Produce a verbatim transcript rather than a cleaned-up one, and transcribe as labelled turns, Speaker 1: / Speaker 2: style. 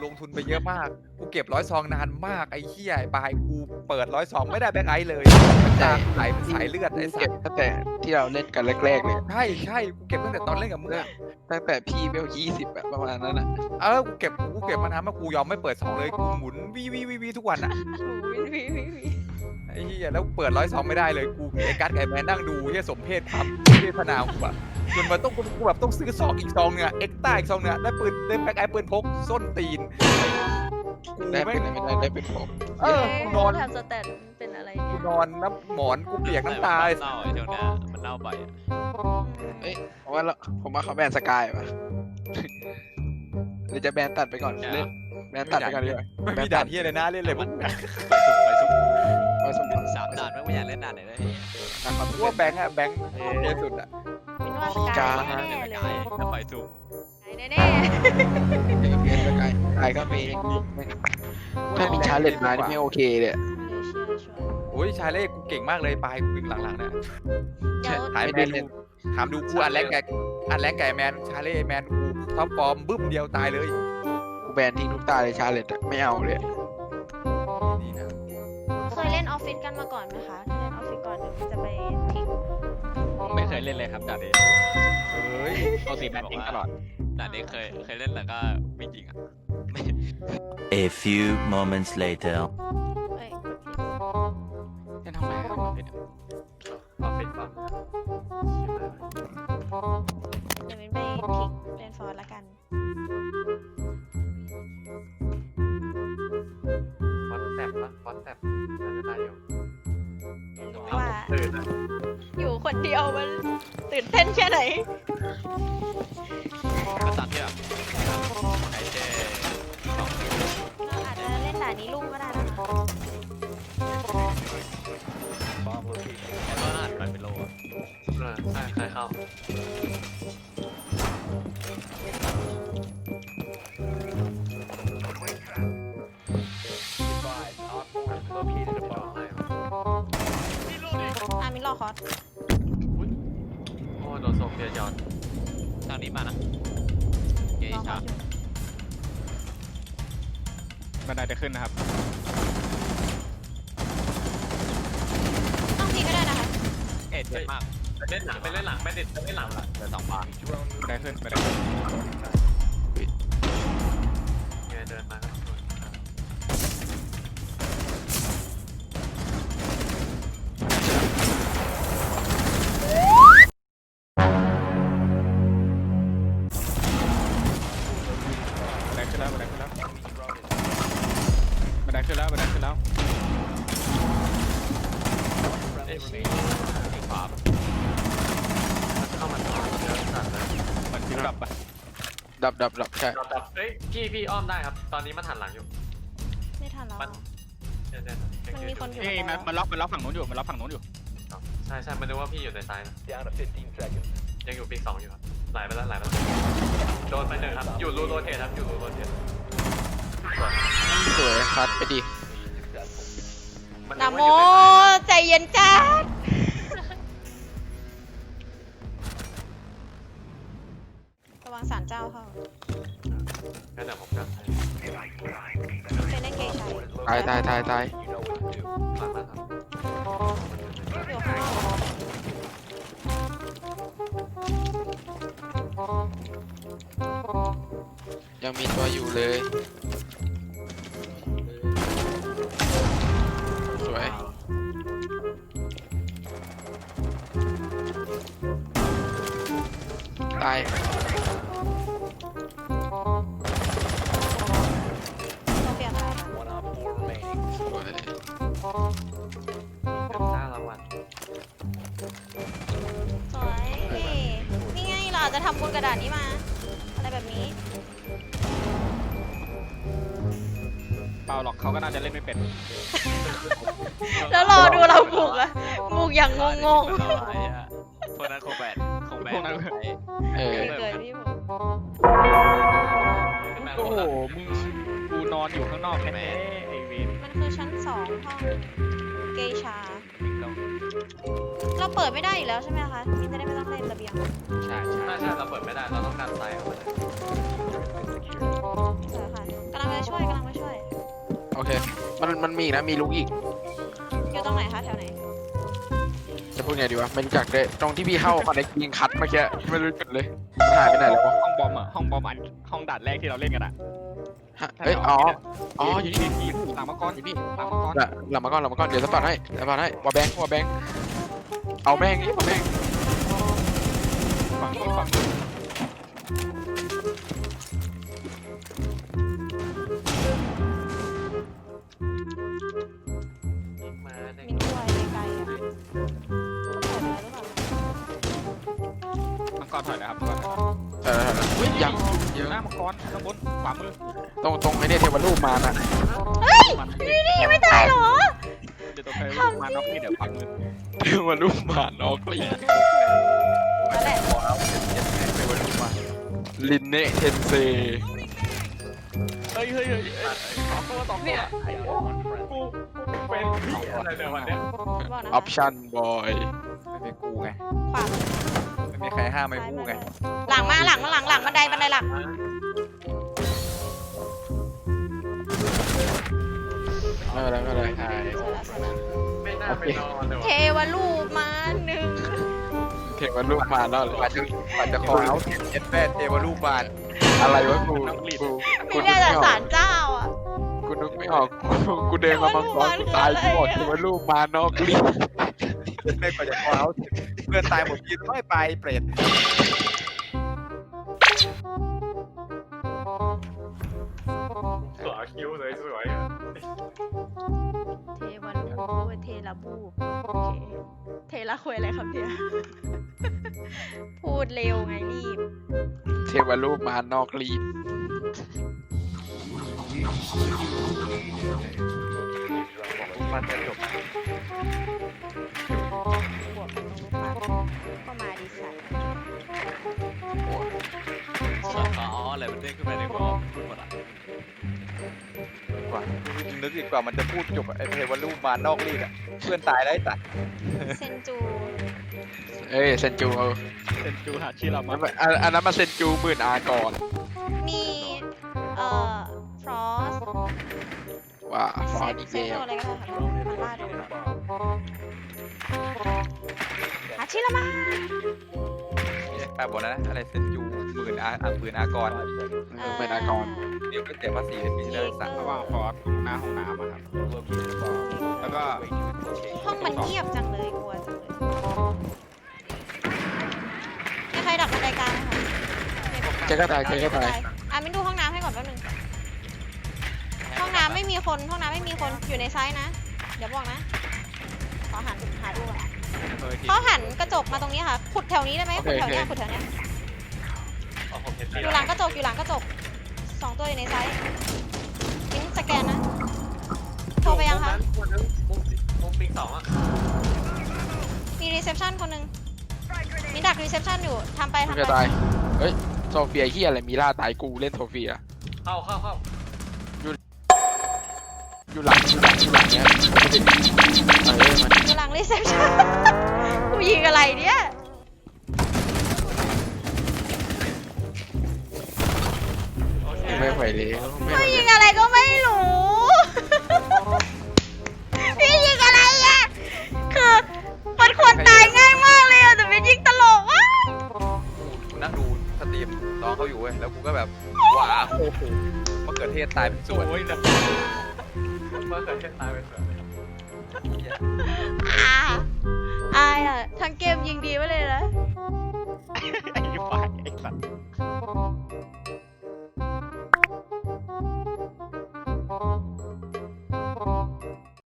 Speaker 1: ลงทุนไปเยอะมากกูเก็บร้อยซองนานมากไอ้เหี้ยไอ้ปลายกูเปิดร้อยซองไม่ได้แบ็คไอซ์เลยตาไหลเป็นสายเลือดไอ้สั
Speaker 2: เก็
Speaker 1: ต
Speaker 2: บ
Speaker 1: ว์
Speaker 2: ตั้งแต่ที่เราเล่นกันแรกๆเลย
Speaker 1: ใช่ใช่กูเก็บตั้งแต่ตอนเล่นกับมึงอะ
Speaker 2: ตั้งแต่พี่เบลยี่สิบแบบประมาณนั้นอ่ะ
Speaker 1: เออกูเก็บกูเก็บมานานมากกูยอมไม่เปิดซองเลยกูหมุนวีวีวีวีทุกวันอะ
Speaker 3: วิววิววิววิว
Speaker 1: ไอ้เหี้ยแล้วเปิดร้อยซองไม่ได้เลยกูมีไอ้กัสกับไอ้แมนนั่งดูเหี้ยสมเพศความเพศพนาวกูอะจนมาต้องกูแบบต้องซื้อซองอีกซองเนี่ยเอ็กต้าอีกซองเนี่ยได้ปืนได้แบ็คไอซ์ปืนพกส้นตีนกู
Speaker 2: ได้
Speaker 1: ไม่
Speaker 2: เป็นอะไรไม่ได้ได้เป็นผม
Speaker 1: เออกูนอน
Speaker 3: ทำสแตทเป็นอะไร
Speaker 1: กู
Speaker 3: เนี่ย
Speaker 1: นอนน้ำหมอนกูเปียกน้ำตา
Speaker 4: มั
Speaker 1: ไอ้
Speaker 4: นเน่าไอ้ช่วงเนี้ยมันเน่าบ่อยอะ
Speaker 2: เอ้ยผมว่าเราผมว่าเขาแบนสกายป่ะหรือจะแบนตัดไปก่อนเล่นแบนตัดไปก่อนดีกว่า
Speaker 1: ไม่มีด่านเหี้ยเลยนะเล่นเลยพวกมึงอะ
Speaker 4: ไปสุ่ม
Speaker 2: ไปสมบัติ
Speaker 4: สามด่านไม่อยากเล่นด่านไหนเลย
Speaker 2: นะครับ
Speaker 1: กูว่าแบงค์อะแบงค์เยอะสุดอะ
Speaker 3: เป็นว่าสกายแน่ๆเลย
Speaker 4: ถ้าไปสุ่ม
Speaker 3: แน่
Speaker 2: เบนสกายสกายก็มีถ้ามีชาเลนจ์มานี่ไม่โอเคเลย
Speaker 3: ๆเชื่อชัวร์
Speaker 1: โอ้ยชายเล่กูเก่งมากเลยปลายกูเก่งหลังๆเนี่ย
Speaker 3: เดี๋ยว
Speaker 1: ถามแมนดูถามดูกูอันแรกแกอันแรกแกแมนชาเล่แมนกูท็อปฟอร์มบึ้มเดียวตายเลย
Speaker 2: กูแบนทิ้งทุกตาเลยชาเลนจ์ไม่เอาเลย
Speaker 1: นี่นะ
Speaker 3: เคยเล่นออฟฟิศกันมาก่อนไหมคะถ้าเล่นออฟฟิศก่อนเดี๋ยวจะไปทิ้ง
Speaker 5: ไม่เคยเล่นเลยครับด่านนี้
Speaker 1: เฮ้ย
Speaker 5: ปกติแบนทิ้งตลอด
Speaker 4: ด่านนี้เคยเคยเล่นแล้วก็ไม่จริงอ่ะ
Speaker 6: A few moments later.
Speaker 3: เอ้ย
Speaker 2: เล่นทำไมครับ
Speaker 4: ออฟฟิศปั๊ม
Speaker 3: เดี๋ยวมินไปทิ้งเล่นฟอร์ละกัน
Speaker 4: วอตแซปปะวอตแซปน่าจะได้อยู่
Speaker 3: รู้ว่าอยู่คนเดียวมันตื่นเต้นแค่ไหน
Speaker 4: ก็ตามที่แบบไอเจสอง
Speaker 3: เราอาจจะเล่นด่านนี้ลุ่มก็ได้นะคะ
Speaker 4: แล้วก็หันไปเป็นโลอ่ะใช่ใครเข้า
Speaker 3: อ่ะมินรอคอร์ส
Speaker 4: โอ้โดนส่งเพียยอนทางนี้มานะเย
Speaker 3: รอคอ
Speaker 4: ชา
Speaker 3: ร์สอยู่
Speaker 5: บันไดจะขึ้นนะครับ
Speaker 3: ต้องทิ้งก็ได้นะคะ
Speaker 4: เอ็ดเจ็บมากเล่นหลังไปเล่นหลังไม่ติดเล่นหลังละเหลือสองบาท
Speaker 5: บันไดขึ้นบันไดขึ้น
Speaker 4: เดินมาก็
Speaker 5: บันไดขึ้นแล้วบันไดขึ้นแล้วบันไดขึ้นแล้วบันไดขึ้นแล้ว
Speaker 4: เอ็กซี่ที่ขวาเข้ามาต่อเยอะสัตว์เลย
Speaker 5: เหมือนฟิวดับปะ
Speaker 2: ดับดับดับใช่
Speaker 4: แต่เฮ้ยพี่พี่อ้อมได้ครับ ตอนนี้มันหันหลังอยู่
Speaker 3: ไม่ทันแล้ว
Speaker 4: มัน
Speaker 3: อะ
Speaker 4: เดี๋ยว
Speaker 3: มันมีคนอยู่
Speaker 5: เอ้ยมันมันล็อกมันล็อกฝั่งนู้นอยู่มันล็อกฝั่งนู้นอยู่
Speaker 4: ใช่ใช่มันนึกว่าพี่อยู่ในซ้ายนะยังอยู่ปีสองอยู่ครับไหลไปแล้วไหลไปแล้วโดนไปหนึ่งครับ อยู่รูโรเทตครับ อยู่รูโรเทต
Speaker 2: สวยคัดไปดิ
Speaker 3: นะโมใจเย็นจ้าระวังสารเจ้าเข้า
Speaker 4: งั้นเดี๋ยวผมกันให้
Speaker 3: เคยเล่นเกย์ใช้
Speaker 2: ตายตายตายตาย
Speaker 4: หลังนะครับ
Speaker 3: อยู่ข้างนอก
Speaker 2: ยังมีตัวอยู่เลย สวยตาย
Speaker 3: โซเฟียตายค่ะ
Speaker 2: สวย
Speaker 4: เป็นหน้ารางวัล
Speaker 3: สวย นี่ไงเราอาจจะทำบนกระดาษนี้มา อะไรแบบนี้
Speaker 5: เปล่าหรอกเขาก็น่าจะเล่นไม่เป็น
Speaker 3: แล้วรอดูเราบุกอะบุกอย่างงง
Speaker 4: พวกนั้นคงแบนคงแบน
Speaker 5: พวกนั้น
Speaker 2: เอ
Speaker 3: ๆ
Speaker 2: อ
Speaker 3: เกิดพี่บุก
Speaker 5: โอ้โหมึงกูนอนอยู่ข้างนอกแน่ๆไอ้วิน
Speaker 3: มันคือชั้นสองห้องเกย์ชา เราเปิดไม่ได้อยู่แล้วใช่ไหมคะมินจะได้ไม่ต้องเล่นระเบียง
Speaker 5: ใช่ใช่
Speaker 4: ใช่ใช่เราเปิดไม่ได้ เราต้องการไซส์เอาไปเลย
Speaker 3: สวยค่ะกำลังจะ
Speaker 2: โอเค มันมันมีอีกนะ มีลุกอีก
Speaker 3: อยู่ตรงไหนคะแถวไหน
Speaker 2: จะพูดไงดีวะไม่รู้จักเลยตรงที่พี่เข้าคอนเนคยิงคัดเมื่อกี้ไม่รู้จุดเลยมันหายไปไหนแล้ววะ
Speaker 5: ห้องบอมอ่ะห้องบอมอันห้องด่านแรกที่เราเล่นกันอ่ะ
Speaker 2: ฮะเฮ้ยอ๋ออ๋ออยู่นี่
Speaker 5: ทีหลังมังกรอยู่นี่หลังมังกร
Speaker 2: หลังหลังมาก่อนหลังมาก่อนเดี๋ยวสปอร์ตให้สปอร์ตให้วอลแบงค์วอลแบงค์เอาแม่งนี่วอลแบงค์
Speaker 5: ฝั่งนี้ฝั่งนี้
Speaker 4: มาใน
Speaker 3: มินกลัวไกลๆอ่ะเขาเปิดอะไรหรือเปล่า
Speaker 5: มังกรถอยนะครับมังกรถอย
Speaker 2: เออเฮ้ยยังเย
Speaker 5: อยู่
Speaker 2: อะ
Speaker 5: หน้ามังกรข้างบนขวามือ
Speaker 2: ตรงตรงไอ้เนี่ยเทวรูปมานะ
Speaker 3: เฮ้ย
Speaker 5: มัน
Speaker 3: นี่นี่ไม่ตายเหรอ
Speaker 5: เดี๋ยวตัวเธอมาน็อกนี่เดี๋ยวขวามือ
Speaker 2: เทวรูปมานอกลี
Speaker 3: นั่นแหละ
Speaker 1: ขอเอาเจ็ดเจ็ดไปวันนี้มา
Speaker 2: ลินเนเทนเซ
Speaker 5: เฮ้ยเฮ้ยเฮ้ยสองตัวสองตัวกูเป็นอะไรเนี่ยวันเนี้ย
Speaker 3: บอกนะ
Speaker 2: ออปชั่นบอย
Speaker 1: ไม่มีกูไง
Speaker 3: ขวา
Speaker 1: ไม่มีใครห้ามไม่กูไง
Speaker 3: หลังมาหลังมาหลังหลังบันไดบันไดหลัง
Speaker 2: ไม่เป็นไรไม่เป็นไร
Speaker 4: ไม่น่าไปนอนเลย
Speaker 3: เท
Speaker 4: ว่ะ
Speaker 3: วรูปมาหนึ่ง
Speaker 2: เทวรูปมาแล้วเหร
Speaker 1: กว่า
Speaker 2: อ
Speaker 1: จะกว่าจะขอเอาเจ็ดเจ็ดแปดเทวรูปบาน
Speaker 2: อะไรวะกูกูกู
Speaker 3: ไม่
Speaker 2: นึก
Speaker 3: ได้
Speaker 2: ไม่
Speaker 3: แต่
Speaker 2: ออ
Speaker 3: สาก รเจ้าอ่ะ
Speaker 2: กูนึกไม่ออกกูกูเดินมามังกรกูตายกูบอกเทวรูปมานอกลี
Speaker 1: ไม่กว่าจะขอเอาเพื่อนตายหมดทีไม่ไปเปรต
Speaker 4: สวยคิ้วเลยสวย
Speaker 3: เทวรูปเทระบูโอเคเทระคุยอะไรครับเนี่ยพูดเร็วไงรีบ
Speaker 2: เทวรูปมานอกลี
Speaker 1: มันจะจบบ
Speaker 3: วกกับนุมาก็มาดิสัน
Speaker 5: อ๋ออะไรมันเด้งขึ้นมาในหัวพูดหมดอ่ะ
Speaker 1: กว่านึกอีกกว่ามันจะพูดจบไอ้เทวรูปมานอกรีดอ่ะเพื่อนตายได้ตัด
Speaker 3: เซนจู
Speaker 2: เอ้ยเซนจูเอา
Speaker 5: เซนจูหาชื่อเรา
Speaker 2: อั
Speaker 5: มาน
Speaker 2: อันอันนั้นมาเซนจูหมื่นอาก่อน
Speaker 3: มีเอ่อฟรอส
Speaker 2: ว่าฟ
Speaker 3: เซ
Speaker 2: อร์
Speaker 3: ฟ
Speaker 2: ดี
Speaker 3: เซ
Speaker 2: เก
Speaker 3: ฟ
Speaker 2: ล
Speaker 3: อะไรก็ได้ค่ะมันล่าโดนหาชิละมา
Speaker 1: แปลบอกนะอะไรเซนจูหมื่นอาอ่ะหมื่นอากร
Speaker 2: หมื่นอากร
Speaker 1: เดี๋ยวก็เสียภาษีเป็นปีละสาม
Speaker 5: ระหว่างฟอร์ดหน้าห้องน้ำอะครับแล้วก็
Speaker 3: ห้องมันเงียบจังเลยกลัวจังเลยมีใครดักบันไดกลางไหมคะ
Speaker 2: เจ๊ก็ตายเจ๊ก็ตาย
Speaker 3: อ่ะมินดูห้องน้ำให้ก่อนแป๊บนึงห้องน้ำไม่มีคนห้องน้ำไม่มีคนอยู่ในไซส์นะ เดี๋ยวบอกนะขอหันหาดูก่อน
Speaker 5: เฮ้ยที
Speaker 3: เขาหันกระจกมาตรงนี้ค่ะ ขุดแถวนี้ได้ไหมขุดแถวเนี้ยขุดแถวเนี้ย
Speaker 4: เอาผมเห็น
Speaker 3: อยู่หลังกระจกอยู่หลังกระจกสองตัวอยู่ในไซส์มิ้นสแกนนะโทรไปยังคะ
Speaker 4: มุมมุมปิงสองอ่ะ
Speaker 3: มีรีเซพชันคนหนึ่งมิ้นดักรีเซพชันอยู่ทำไป
Speaker 2: มัน
Speaker 3: ทำ
Speaker 2: จะ
Speaker 3: ไป
Speaker 2: ตาย เฮ้ย โซเฟียเฮียอะไร มีล่าตายกูเล่นโซเฟีย
Speaker 4: เข้าเข้าเข้า
Speaker 2: อยู่หลังอยู่หลังอยู่หลังเนี้ยเออมัน
Speaker 3: อยู่หลังรีเซพชัน กูยิงอะไรเนี่ย
Speaker 4: โอเค
Speaker 2: ไม่ไหวแล้วไม่ไหว
Speaker 3: พี่ยิ
Speaker 2: แล้ว
Speaker 3: งอะไรก็ไม่รู้ พี่ยิงอะไรอ่ะคือมันควรตายง่ายมากเลยอ่ะแต่เป็นยิงตลกอ่ะ
Speaker 1: กูนั่งดูสตรีมน้องเขาอยู่เว้ยแล้วกูก็แบบว้าวโอ้โหมะเขือเทศตายเป็นส่วน
Speaker 5: โอ้ยนะ
Speaker 4: เมื่อเกิดเช่นตายไปเสือ
Speaker 3: อ่าอายอ่ะทั้งเกมยิงดีไปเลยนะ